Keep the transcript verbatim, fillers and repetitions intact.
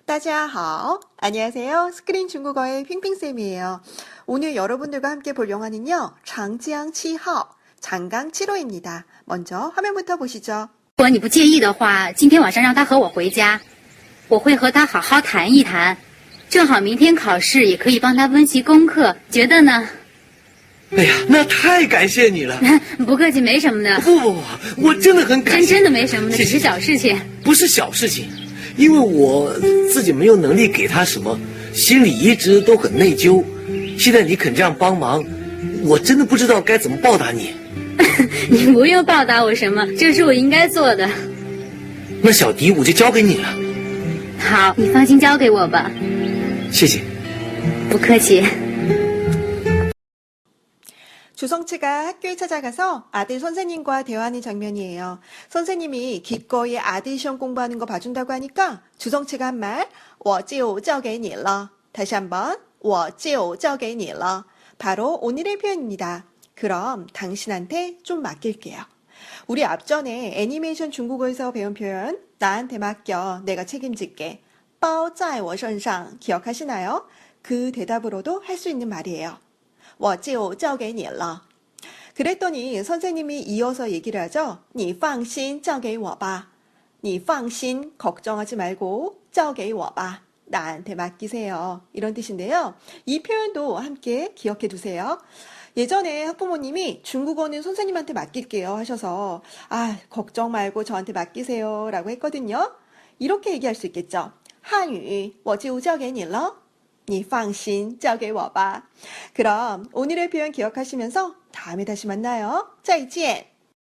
大家好. 안녕하세요. 스크린 중국어의 핑핑쌤이에요. 오늘 여러분들과 함께 볼 영화는요. 장지ang 칠号, 장강 칠 호입니다. 먼저 화면부터 보시죠. 如果你不介意的话，今天晚上让他和我回家，我会和他好好谈一谈。正好明天考试，也可以帮他温习功课，觉得呢？ 哎呀，那太感谢你了！ 不客气，没什么的。 不不不，我真的很感谢。 真真的没什么的，只是小事情。 不是小事情，因为我自己没有能力给他什么，心里一直都很内疚。现在你肯这样帮忙，我真的不知道该怎么报答你。 你不用报答我什么，这是我应该做的。 那小迪我就交给你了。 好，你放心交给我吧。 谢谢。 不客气。 주성치가 학교에 찾아가서 아들 선생님과 대화하는 장면이에요. 선생님이 기꺼이 아들 시험 공부하는 거 봐준다고 하니까 주성치가 한 말, 我就交给你了. 다시 한번, 我就交给你了. 바로 오늘의 표현입니다. 그럼 당신한테 좀 맡길게요. 우리 앞전에 애니메이션 중국어에서 배운 표현, 나한테 맡겨, 내가 책임질게. 包在我身上 기억하시나요? 그 대답으로도 할 수 있는 말이에요. 我就交给你了. 그랬더니 선생님이 이어서 얘기를 하죠. 你放心交给我吧. 你放心 걱정하지 말고 交给我吧. 나한테 맡기세요. 이런 뜻인데요. 이 표현도 함께 기억해 두세요. 예전에 학부모님이 중국어는 선생님한테 맡길게요 하셔서 아 걱정 말고 저한테 맡기세요 라고 했거든요. 이렇게 얘기할 수 있겠죠. 한유 我就交给你了. 你放心交给我吧. 그럼 오늘의 표현 기억하시면서 다음에 다시 만나요. 再见.